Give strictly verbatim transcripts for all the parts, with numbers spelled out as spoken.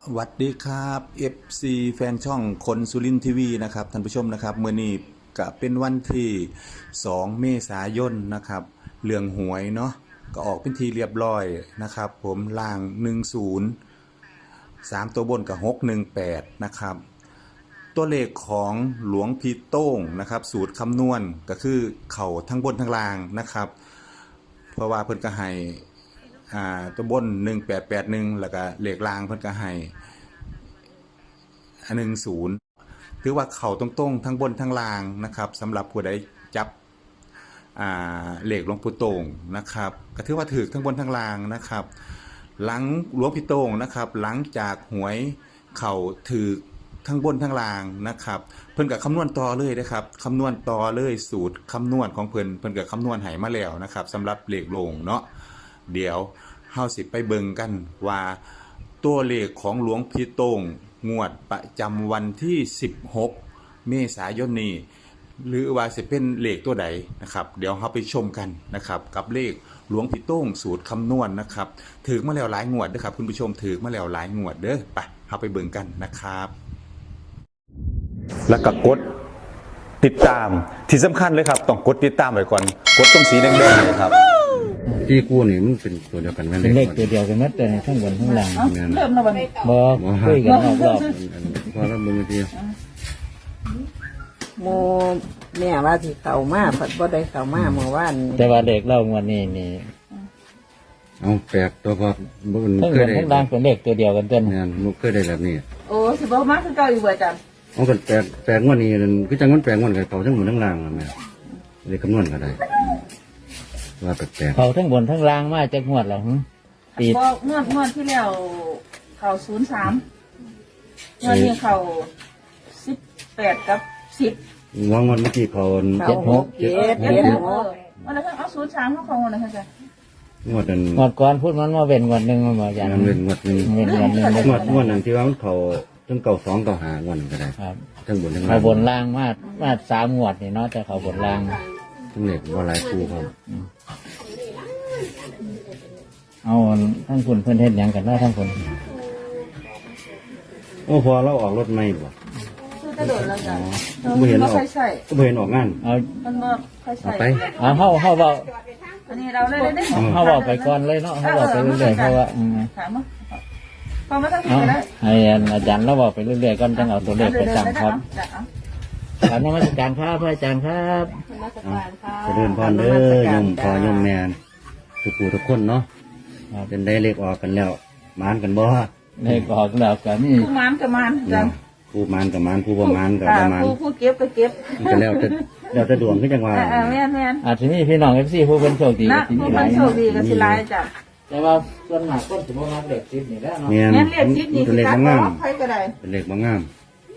สวัสดีครับ เอฟ ซี แฟนช่องคนสุรินทร์ทีวีนะครับท่านผู้ชมนะครับเมื่อนี้ก็เป็นวันที่สองเมษายนนะครับเรื่องหวยเนาะก็ออกเป็นทีเรียบร้อยนะครับผมล่างหนึ่งศูนย์ สามตัวบนกับหกหนึ่งแปดนะครับตัวเลขของหลวงพี่โต้งนะครับสูตรคำนวณก็คือเข่าทั้งบนทั้งล่างนะครับเพราะว่าเพิ่นก็ให้อ่าตัวบนหนึ่งแปดแปดหนึ่งแล้วก็เลขล่างเพิ่นก็ให้อันหนึ่งศูนย์ถือว่าเข่าตรงๆทั้งบนทั้งล่างนะครับสำหรับผู้ใดจับอ่าเลขหลวงปู่โต้งนะครับก็ถือว่าถือทั้งบนทั้งล่างนะครับหลังหลวงพี่โต้งนะครับหลังจากหวยเข่าถือทั้งบนทั้งล่างนะครับเพิ่นกับคำนวณต่อเลยนะครับคำนวณต่อเลยสูตรคำนวณของเพิ่นเพิ่นกับคำนวณให้มาแล้วนะครับสำหรับเลขโลงเนาะเดี๋ยวเฮาสิไปเบิ่งกันว่าตัวเลขของหลวงพี่โต้งงวดประจำวันที่สิบหกเมษายนนี้หรือว่าจะเป็นเลขตัวใดนะครับเดี๋ยวเราไปชมกันนะครับกับเลขหลวงพี่โต้งสูตรคำนวณนะครับถือมาแล้วหลายงวดเด้อครับคุณผู้ชมถือมาแล้วหลายงวดเด้อไปเราไปเบิ่งกันนะครับแล้วก็กดติดตามที่สำคัญเลยครับต้องกดติดตามไว้ก่อนกดตรงสีแดงๆเลยครับที่กู้นี่มันเป็นตัวเดียวกันแม่นเป็นเลขตัวเดียวกันหมดเลยทั้งบนทั้งล่างแม่นเริ่มแล้ววันนี้บอกคุยกันรอบรอบพอแล้วมึงทีโมแม่ว่าที่เข้ามาผัดบ่ได้เข้ามาเมื่อวานแต่ว่าเด็กเล่างวดนี้นี่เอาแปลกตัวพอบ่มันทั้งเคบยนได้ทั้งล่างเป็นเลขตัวเดียวกันเต้นแม่นบ่เคยได้แบบนี้โอ้สิบ่มาคือเก่าอยู่บ่จันเอากันแปลกแปลกงวดนี้นั่นคือจังมันแปลกงวดกับเขาทั้งหมดทั้งล่างอะแม่เลยคำนวณก็ได้ว่าแปลกเขาทั้งบนทั้งล่างมาจากงวดหรอปีบ่งวดงวดที่แล้วเข้าศูนย์สามงวดนี้เข้าสิบแปดกับสิบๆวางวันเมื่อกี้เขาเจ็ดหกเจ็ดเจ็ดหกวันละเอาศูนย์สามเข้าของวันละจ้ะงวดนั้นงวดก่อนพูดมันมาเว้นงวดหนึ่งมันมาอย่างมันเป็นงวดหนึงเว้นงวดหนึ่งงวดงวดนั้นที่ว่ามันเขาทั้งเก่าสองเก่าหางวดนั้นก็ได้ครับทั้งบนทั้งล่าเขางบนล่างมามาสามงวดนี่เนาะแต่เขาบนล่างทั้งเหล็กว่าหลายคู่ครับเอาทั้งคุณเพื่อนเฮ็ดหยังกันเนาะทั้งคนโอ้พอเราออกรถไม่บ่คือจะโดนแล้วจ้ะไม่เห็นออกค่อยใส่ก็ไม่เห็นออกงานเอามันบ่ค่อยเอาใส่ไปเอาเฮาเฮาเบาอันนี้เราเลยได้เฮาเบาไปก่อนเลยเนาะเฮาเบาไปเรื่อยๆเพราะว่าอืมถามว่าพอมาตั้งเอาแต่ได้ให้อาจารย์เราบอกไปเรื่อยๆก่อนจังเอาตัวเลขไปสั่งครับกราบนมัสการครับพระอาจารย์ครับจะเดินพรเด้อยมพอยมแมนทุกผู้ทุกคนเนาะเป็นได้เลขออกกันแล้วมานกันบ่เลขออกแล้วก็นี่ผู้มันกับมันจ้ะผู้มานกับมานผู้บ่มานกับบ่มานผู้ผู้เก็บก็เก็บมันก็แล้วแต่แล้วแต่ดวงคือจังว่าเออแม่นแม่นอาจจะมีพี่น้องเอฟซีผู้เป็นโชคดีนะที่ผู้มีหมัลาน ยโชคดีก็สิหลายจ้ะแต่ว่าส่วนมากคนสมมติว่าเลขสิบนี่แหล้วเนาะแม่นแม่นเรียกชิดนี่เป็นสิเลขตัดบ่บ่งามใครก็ได้เป็นเลขบ่งาม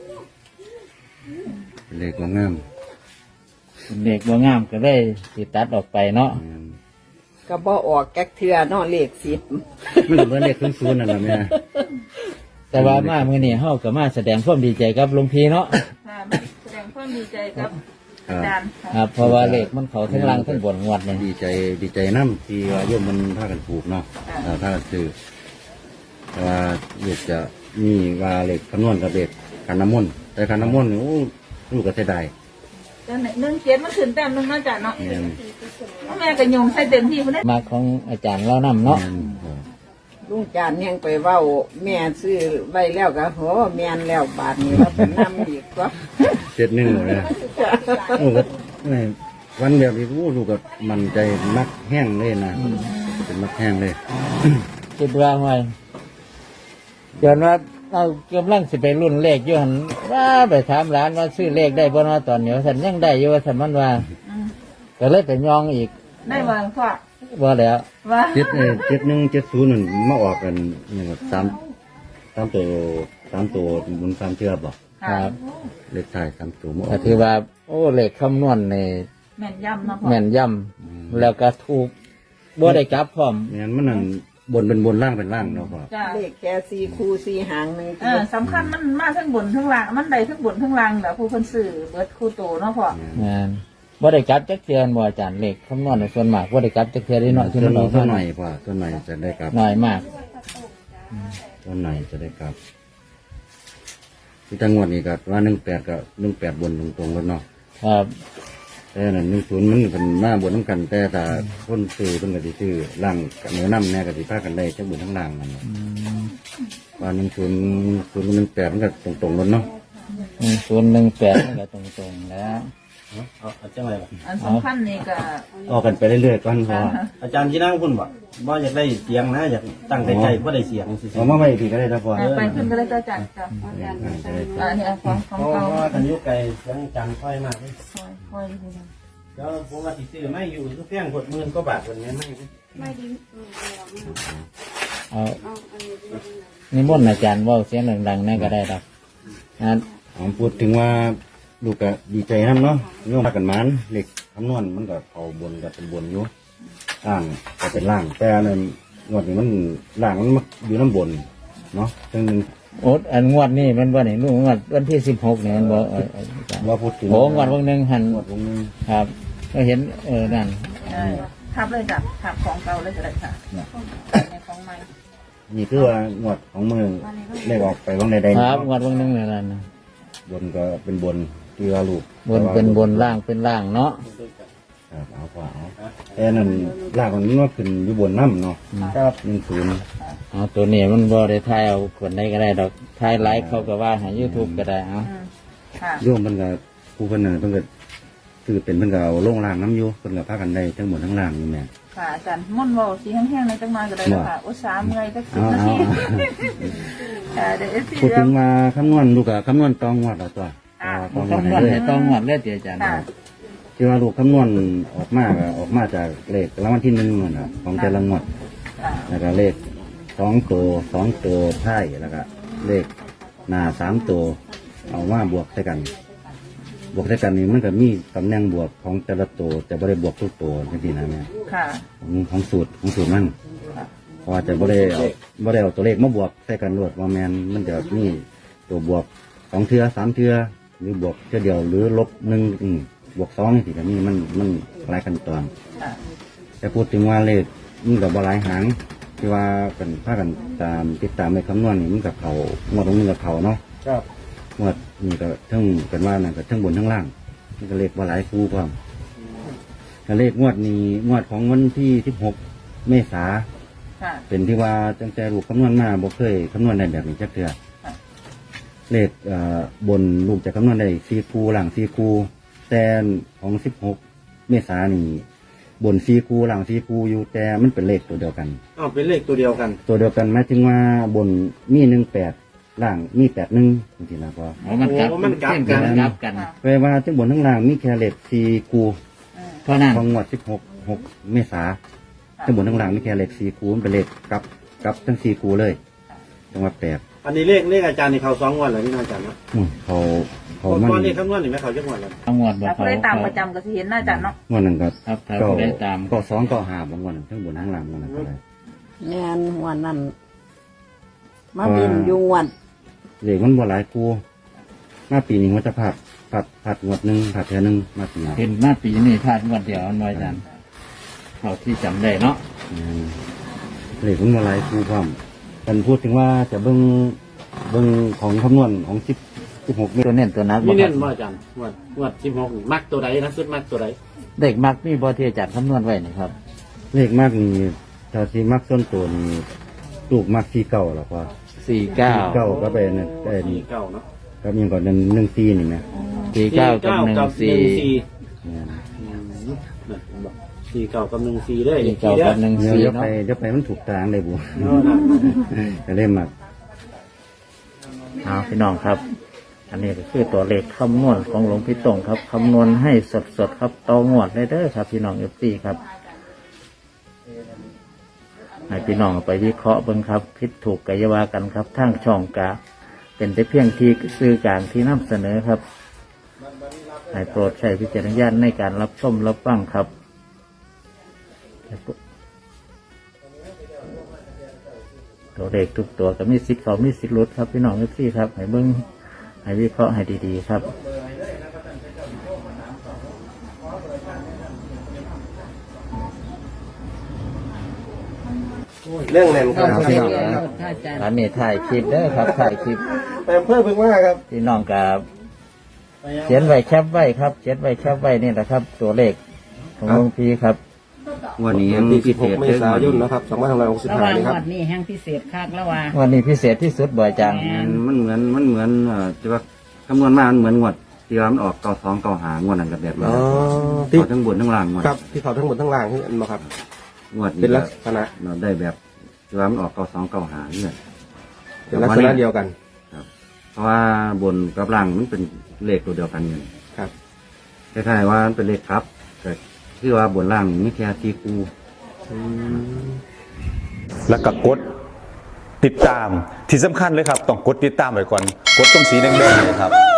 เป็นเลขบ่งามเด็กบ่งามก็ได้ติตัดออกไปเนาะแม่นก็บ่ออกแก๊กเทือเนาะเลขสิบมันก็เป็นเลขศูนย์ๆนั่นล่ะแม่แต่ว่ามามื้อนี้เฮาก็มาแสดงความดีใจกับหลวงพี่เนาะค่ะแสดงความดีใจกับอาจารย์ครับเพราะว่าเลขมันเขาทั้งล่างทั้งบนงวดนี่ดีใจดีใจนํที่ว่าโยมมันพากันปลูกเนาะเออพากันซื้อแต่ว่าเลขจะมีว่าเลขคำนวณกับเลขขันน้ำมนต์แต่ขันน้ำมนต์นี่โอ้ลูกก็เสียดายแต่หนึ่งเจ็ดมันขึ้นแต้มหนึงเนาะจ้ะเนาะแม่นแม่ก็ยงใส่เต็มที่พุ่นเด้มาของอาจารย์เรานำเนาะแม่นเออลุงจานยังไปเว้าแม่ซื้อไว้แล้วก็โหแม่นแล้วบาทนี้เราเป็นนำอีกก็เจ็ดหนึ่งหมดเลยโอ้ก็ไม่วันแบบนี้โอ้ลูกก็มันใจมักแห้งเลยนะเป็นมักแห้งเลยคิดว่าไว้ย้อนว่าเอากำลังสิไปรุ่นเลขอยู่หั่นว่าไปถามร้านว่าซื้อเลขได้บ่เนาะตอนนี้ว่าซั่นยังได้อยู่ว่าซั่นมันว่าอืมก็เลยไปยองอีกได้บ่พ่อบ่แล้วว่าเจ็ดเออเจ็ดหนึ่งเจ็ดศูนย์นั่นมาออกกันนี่ครับสามสามตัวสามตัวหมุนสามเชือกบ่ครับเลขท้ายสามตัวมาออก็กถือว่า โอ้เลขคำนวณนี่แม่นย่ำเนาะพ่อแม่นยำแล้วก็ถูกบ่ได้กลับพร้อมเนี่ยมันนั่นบนเป็นบนล่างเป็นล่างเนาะพ่อจ้ะเลขแค่สี่คู่สี่หางหนึงเออสำคัญมันมาทั้งบนทั้งล่างมันได้ทั้งบนทั้งล่างแหละผู้เพิ่นซื้อเบิดคู่โตเนาะพ่องานบ่ได้กลับจักเทื่อบ่อาจารย์เลขคำนวณในส่วนมากบ่ได้กลับจักเทื่อได้น้อยที่ส่วนมันออกส่วมานหน่อยพ่อส่วนหน่อยจะได้กลับน้อยมากส่ต้นไหนจะได้กลับที่จังหวัดนี้ก็ว่าหนึ่งแปดกับหนึ่งแปดบนตรงๆกันเนาะครับแต่นั่นหนึ่งศูนย์มันเป็นหน้าบนน้ำกัน แต่ถ้าคนซื้อเป็นกติซื้อล่างกับเนื้อน้ำแน่กติภาคกันได้ทั้งบนทั้งล่างมันว่าหนึ่งศูนย์ศูนย์หนึ่งแปดมันก็ตรงๆกันเนาะหนึ่งศูนย์หนึ่งแปดก็ตรงๆแล้วเอาอาจารย์อะไรบ่อันสำคัญนี่ก็ออกกันไปเรื่อยๆก่อนเพราะว่าอาจารย์ที่นั่งคุณบ่บ่อยากได้เสียงนะอยากตั้งใจใจบ่ได้เสียงสิเอามาไว้พี่ก็ได้นะพ่อไปขึ้นก็เลยจ้ะจ้ะจ้ะอันนี้ของของเพราะเก่าว่ากันอยู่ไกลเสียงอาจารย์ค่อยมากเลยคอยคอยดูนะแล้วผมว่าสิซื้อไม่อยู่คือเพียงหกหมื่นกว่าบาทวันนี้ไม่ไม่ดีเอานิมนต์อาจารย์เว่าเสียงดังๆนั่นก็ได้ครับนะผมพูดถึงว่าลูกก็ดีใจน้ำเนาะโยมพากันหมันเหล็กคำนวณมันก็เอาบนก็เป็นบนอยู่ล่างก็เป็นล่าง แต่อันนั้นงวดนี้มันล่างมันมาอยู่น้ำบนเนาะซึ่งโอ๊ตอันงวดนี่มันวันไหนลูกงวดวันที่สิบหกเนี่ยมันบอกเออเอออาจารย์ว่าพูดถึงโอ้งวดวันหนึ่งหันงวดวงนึงครับก็เห็นเออนั่นได้ทับเลยจ้ะทับของเก่าเลยก็ได้ค่ะในของใหม่นี่คือว่างวดของเมืองเลขออกไปว่างใดคๆรับงวดวันหนึ่งเนี่ยนั่นน่ะบนก็เป็นบนที่ว่าลูกบนเป็นบนล่างเป็นล่างเนาะครับเอาขวาเอาแต่นั่นล่างมันว่าขึ้นอยู่บนน้ำเนาะครับหนึ่งศูนย์เอาตัวนี้มันบอได้ทายเอาคนใดก็ได้ดอกทายไลฟ์เขาก็ว่าหายูทูบก็ได้เอาอืมค่ะโยมเพิ่นก็ผู้เพิ่นน่ะเพิ่นก็คือเป็นเพิ่นก็เอาลงล่างน้ำอยู่เพิ่นก็พากันได้ทั้งหมดทั้งล่างนี่แม่ค่ะอาจารย์ม่อนวอลสีแห้งๆในจังมาก็ได้แล้วค่ะอุตสาห์เมื่อยสักสิบเอานาเอาทีเอาค่ะเดี๋ยวเอฟซีพูดถึงว่าคำนวณลูกก็คำนวณตองวัดเอาตัวอ่าตองวัดคำนวณให้เลให้ยต้องงวดเลยเดี๋ยวอาจารย์ค่ะที่ว่าลูกคำนวณออกมาก็ออกมาจากเลขรางวัลที่หนึ่งนั่นน่ะของแต่ละงวดค่ะแล้วก็เลขสองตัวสองตัวท้ายแล้วก็เลขหน้าสามตัวเอามาบวกใส่กัน บวกใส่กันนี่มันก็มีตำแหน่งบวกของแต่ละตัวแต่ไม่ได้บวกทุกตัวจริงๆนะแม่ค่ะของของสูตรของสูตรมันเพราะว่าจะไม่ได้เอาไม่ได้เอาตัวเลขมาบวกใส่กันรวดว่าแมนมันจะมีตัวบวกสองเทือสามเทือหรือบวกเทือเดียวหรือลบหนึ่งอืมบวกสองนี่สิแบบนี้มันมันหลายขั้นตอนค่ะแต่พูดถึงว่าเลขมันกับบหลายหางที่ว่าเป็นพากันตามติดตามในคำนวณนี่มันกับเขางวดตรงนี้กับเขาเนาะครับงวดนี่ก็ทั้งเป็นว่านั่นก็ทั้งบนทั้งล่างมันก็เลขว่าหลายคู่ความก็เลขงวดนี้งวดของวันที่สิบหกเมษาค่ะเป็นที่ว่าตั้งแต่ลูกคำนวณมาบ่เคยคำนวณได้แบบนี้จักเทื่อค่ะเลขเอ่อบนลูกจะคำนวณได้สี่คู่หลังสี่คู่แต่ของสิบหกเมษานี่บนสี่คู่หลังสี่คู่อยู่แต่มันเป็นเลขตัวเดียวกันอ๋อเป็นเลขตัวเดียวกันตัวเดียวกันหมายถึงว่าบนมีหนึ่งแปดล่างมีแปดหนึ่งจริงๆนะพ่อเอามันกลับโอ้มันกลับเส้กันกลับกันแปลว่าทั้งบนทั้งล่างมีแค่เลขสี่คู่อืมเพราะนั้นของงวดสิบหกหกเมษาทั้งบนทั้งล่างมีแค่เลขสี่คู่มันเป็นเลขกลับกลับทั้งสี่คู่เลยจังหวัดแปดอันนี้เลขเลขอาจารย์นี่เขาสองงวันเลยนี่นะอาจารย์เนาะอืมเขาเขาเพราะมันตอนนี้คำนวณนี่ไหมเขาจะงวันเลยเอางวดบอกถ้าเขาผู้ได้ตามประจำก็สิเห็นหน้าอาจารย์เนาะงวดนั้นก็ครับถ้าก็ผู้ได้ตามก็สองก็หาบางวันทั้งบนทั้งล่างงวดนั้นก็ได้แม่นหัวนั่นมาบินอยู่งวดเลขมันบ่หลายคู่มาปีนี้มันจะผัดผัดผัดงวดหนึ่งผัดเท่านึงมาปีนี้เห็นมาปีนี้พลาดงวดเดียวอันน้อยอาจารย์เขาที่จำได้เนาะอืมเลขมันบ่หลายคู่ความกันพูดถึงว่าจะเบิ่งเบิ่งของคำนวณของสิบสิบหกเมษตัวเน้นตัวนักมีบ่คเน้รับนว่าอาจารย์งวดงวดสิบหกมักตัวใดนะสุดมักตัวใดเด็กมักมีบอที่อาจารย์คำนวณไว้นี่ครับเลขมากนี่ถ้าที่มักต้นตัวนี่ลูกมักที่เก่าหรอพ่อสี่เก้าเก้าก็ไปนั่นไอ้สี่นี่เก้าเนาะก็ยังก่อนนั้นหนึ่งซีนี่นะสี่เก้ากับหนึ่งสี่สี่เนี่ยอืมนั่นบอกสี่เก้ากับหนึ่งสี่เด้อสี่เก้ากับหนึ่งเดี๋ยวสี่เดี๋ยวไปเนาะเดี๋ยวไปมันถูกทางเลยบุเนาะนะก็เล่มมักเอาพี่น้องครับ อันนี้ก็คือตัวเลขคำนวณของหลวงพี่ตงครับคำนวณให้สดๆครับต่องวดเลยเด้อครับ พี่น้องเอฟซีครับให้พี่น้องเอาไปวิเคราะห์เบิ่งครับผิดถูกกายาวากันครับทางช่องกาเป็นแต่เพียงที่สื่อกลางที่นำเสนอครับให้โปรดใช้วิจารณญาณในการรับชมรับฟังครับ ตัวเลขทุกตัวก็มีสิทธิ์เขามีสิทธิ์หลุดครับพี่น้องเอฟซีครับให้เบิ่งให้วิเคราะห์ให้ดีๆครับเรื่องแน่นครับครับพี่น้องครับอันนี้ถ่ายคลิปเด้อครับถ่ายคลิปแต่เพิ่มเพิ่งว่าครับพี่น้องกับเขียนไว้แคปไว้ครับเขียนไว้แคปไว้นี่แหละครับ ตัวเลขของหลวงพี่ครับงวันนี้วันมีที่พิสิบเศหกษเมษายนนะครับสองพันห้าร้อยหกสิบระหห้าว่างนี่ครับวัดนี้แห่งพิเศษคักแล้วว่าวันนี้พิเศษที่สุดบ่อยจังมันเหมือนมันเหมือนเอ่อที่ว่าคำนวณมามันเหมือนงวดที่ว่ามันออกเก้าสองเก้าหางวดนั้นกับแบบนี้อ๋อที่เอาทั้งบนทั้งล่างงวดครับที่เขาทั้งหมดทั้งล่างที่อันมาครับงวดเป็นลักษณะเราได้แบบที่ว่ามันออกเก้าสองเก้าหาเนี่ยเป็นลักษณะเดียวกันเพราะว่าบนกับล่างมันเป็นเลขตัวเดียวกันอยู่ครับคล้ายๆว่ามันเป็นเลขครับแต่ที่ว่าบนล่างนี่แค่ที่คูแล้วก็กดติดตามที่สำคัญเลยครับ ต้องกดติดตามไว้ก่อน กดตรงสีแดงๆเลยครับ